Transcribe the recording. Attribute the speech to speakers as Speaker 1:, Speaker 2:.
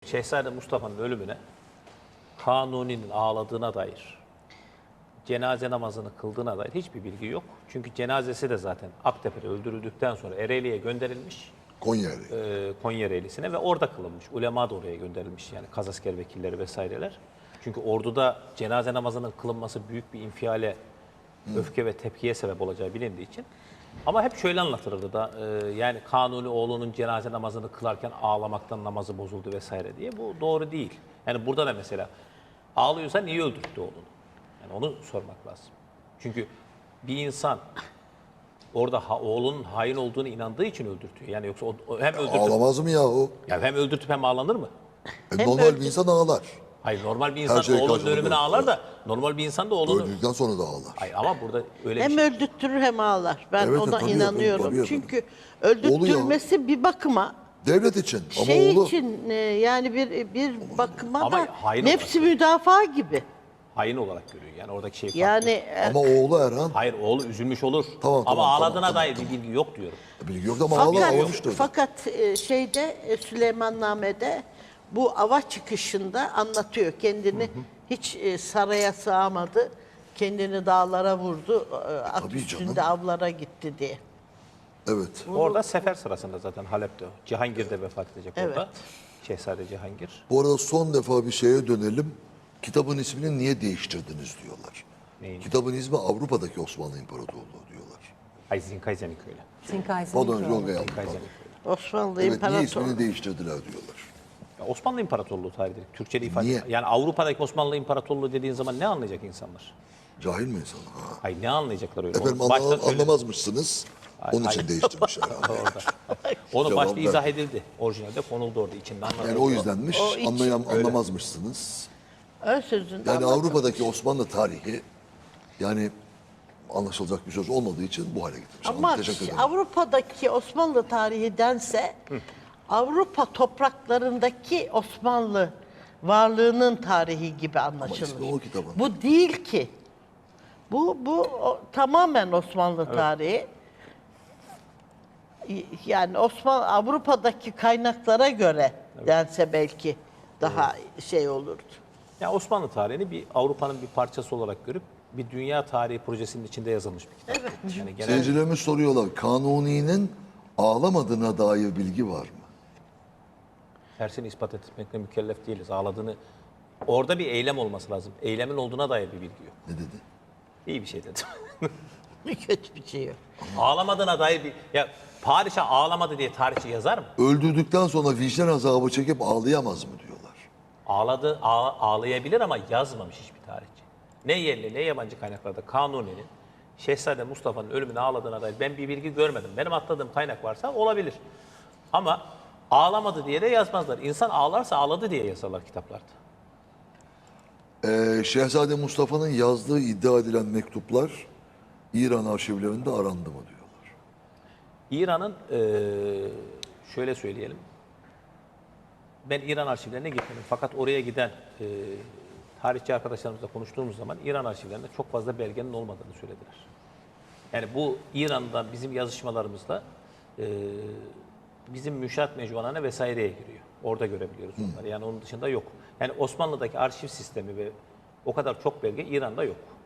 Speaker 1: Şehzade Mustafa'nın ölümüne Kanuni'nin ağladığına dair, cenaze namazını kıldığına dair hiçbir bilgi yok. Çünkü cenazesi de zaten Aktepe'de öldürüldükten sonra Ereğli'ye gönderilmiş. Konya Ereğlisi'ne ve orada kılınmış. Ulema da oraya gönderilmiş, yani kazasker vekilleri vesaireler. Çünkü orduda cenaze namazının kılınması büyük bir infiale, öfke ve tepkiye sebep olacağı bilindiği için. Ama hep şöyle anlatılırdı da yani Kanuni oğlunun cenaze namazını kılarken ağlamaktan namazı bozuldu vesaire diye. Bu doğru değil. Yani burada da mesela ağlıyorsa niye öldürttü oğlunu? Yani onu sormak lazım. Çünkü bir insan orada oğlunun hain olduğunu inandığı için öldürtüyor. Yani yoksa hem öldürtüp...
Speaker 2: Ağlamaz mı yahu?
Speaker 1: Yani hem öldürtüp hem ağlanır mı?
Speaker 2: Normal bir insan ağlar.
Speaker 1: Hayır, normal bir insan
Speaker 2: şey
Speaker 1: oğlunun
Speaker 2: karşılığı
Speaker 1: ölümüne ağlar da normal bir insan da oğlunu...
Speaker 2: Öldükten sonra da ağlar.
Speaker 1: Hayır ama burada öyle
Speaker 3: Hem
Speaker 1: bir şey.
Speaker 3: öldürtür hem ağlar. Ben
Speaker 2: Evet,
Speaker 3: ona
Speaker 2: tabii
Speaker 3: inanıyorum.
Speaker 2: tabii.
Speaker 3: Çünkü öldürtülmesi bir bakıma
Speaker 2: Devlet için ama
Speaker 3: şey
Speaker 2: oğlu
Speaker 3: için yani bir bakıma
Speaker 1: Ama
Speaker 3: da
Speaker 1: hain
Speaker 3: nefsi müdafaa gibi.
Speaker 1: Hain olarak görüyor. Yani oradaki şey farklı.
Speaker 3: Yani
Speaker 2: ama oğlu Erhan
Speaker 1: Hayır, oğlu üzülmüş olur.
Speaker 2: Tamam,
Speaker 1: ama ağladığına
Speaker 2: tamam,
Speaker 1: dair bir bilgi yok diyorum.
Speaker 2: bilgi yok ama ağlamıştır.
Speaker 3: fakat şeyde Süleymanname'de bu ava çıkışında anlatıyor. Kendini hiç saraya sığamadı. Kendini dağlara vurdu. At
Speaker 2: Tabii
Speaker 3: üstünde
Speaker 2: canım.
Speaker 3: avlara gitti diye.
Speaker 2: Evet.
Speaker 1: Orada sefer sırasında zaten Halep'te o. Cihangir de vefat edecek
Speaker 3: Evet.
Speaker 1: orada. Şehzade Cihangir.
Speaker 2: Bu arada son defa bir şeye dönelim. Kitabın ismini niye değiştirdiniz diyorlar.
Speaker 1: Neyin?
Speaker 2: Kitabın ismi Avrupa'daki Osmanlı İmparatorluğu diyorlar.
Speaker 1: Ay Zinkayzenik öyle.
Speaker 2: Pardon Yolga yanlış.
Speaker 1: Zinkayzenik öyle.
Speaker 3: Osmanlı
Speaker 2: Evet niye
Speaker 3: İmparatorluğu.
Speaker 2: ismini değiştirdiler diyorlar.
Speaker 1: Ya Osmanlı İmparatorluğu tarihidir. Türkçe'de ifade.
Speaker 2: Niye?
Speaker 1: Yani Avrupa'daki Osmanlı İmparatorluğu dediğin zaman ne anlayacak insanlar?
Speaker 2: Cahil mi insan? Ha.
Speaker 1: Ay ne anlayacaklar öyle?
Speaker 2: Efendim
Speaker 1: Onu başta söyle-
Speaker 2: anlamazmışsınız. Onun için değiştirmişler.
Speaker 1: Orada. Onu
Speaker 2: Cevap
Speaker 1: başta
Speaker 2: ver.
Speaker 1: izah edildi. Orijinalde konuldu orada, içinde anlatıldı.
Speaker 2: Yani o yüzdenmiş.
Speaker 3: O hiç-
Speaker 2: Anlamazmışsınız.
Speaker 3: Ön sözünde
Speaker 2: Yani
Speaker 3: anlatılmış.
Speaker 2: Avrupa'daki Osmanlı tarihi yani anlaşılacak bir söz olmadığı için bu hale getirmiş.
Speaker 3: Ama
Speaker 2: Teşekkür ederim.
Speaker 3: Avrupa'daki Osmanlı tarihi dense Avrupa topraklarındaki Osmanlı varlığının tarihi gibi anlaşılır.
Speaker 2: ismi o kitabın.
Speaker 3: Bu değil ki. Bu tamamen Osmanlı tarihi. Yani Avrupa'daki kaynaklara göre dense belki daha şey olurdu.
Speaker 1: Ya Osmanlı tarihini bir Avrupa'nın bir parçası olarak görüp bir dünya tarihi projesinin içinde yazılmış bir kitap. Evet. Yani genel
Speaker 2: Seyircilerimiz soruyorlar. Kanuni'nin ağlamadığına dair bilgi var mı?
Speaker 1: tersini ispat etmekle mükellef değiliz. Ağladığını, orada bir eylem olması lazım. Eylemin olduğuna dair bir bilgi yok.
Speaker 2: Ne dedi?
Speaker 1: İyi bir şey dedim.
Speaker 3: Kötü bir şey yok.
Speaker 1: Ağlamadığına dair bir... Ya padişah ağlamadı diye tarihçi yazar mı?
Speaker 2: Öldürdükten sonra vicdan azabı çekip ağlayamaz mı diyorlar.
Speaker 1: Ağlayabilir ama yazmamış hiçbir tarihçi. Ne yerli ne yabancı kaynaklarda Kanuni'nin Şehzade Mustafa'nın ölümüne ağladığına dair ben bir bilgi görmedim. Benim atladığım kaynak varsa olabilir. Ama ağlamadı diye de yazmazlar. İnsan ağlarsa ağladı diye yazarlar kitaplarda.
Speaker 2: Şehzade Mustafa'nın yazdığı iddia edilen mektuplar İran arşivlerinde arandı mı diyorlar.
Speaker 1: İran'ın şöyle söyleyelim. Ben İran arşivlerine gitmedim. Fakat oraya giden tarihçi arkadaşlarımızla konuştuğumuz zaman İran arşivlerinde çok fazla belgenin olmadığını söylediler. Yani bu İran'dan bizim yazışmalarımızla bizim müşahat mecmualarına vesaireye giriyor. Orada görebiliyoruz onları. Yani onun dışında yok. Yani Osmanlı'daki arşiv sistemi ve o kadar çok belge İran'da yok.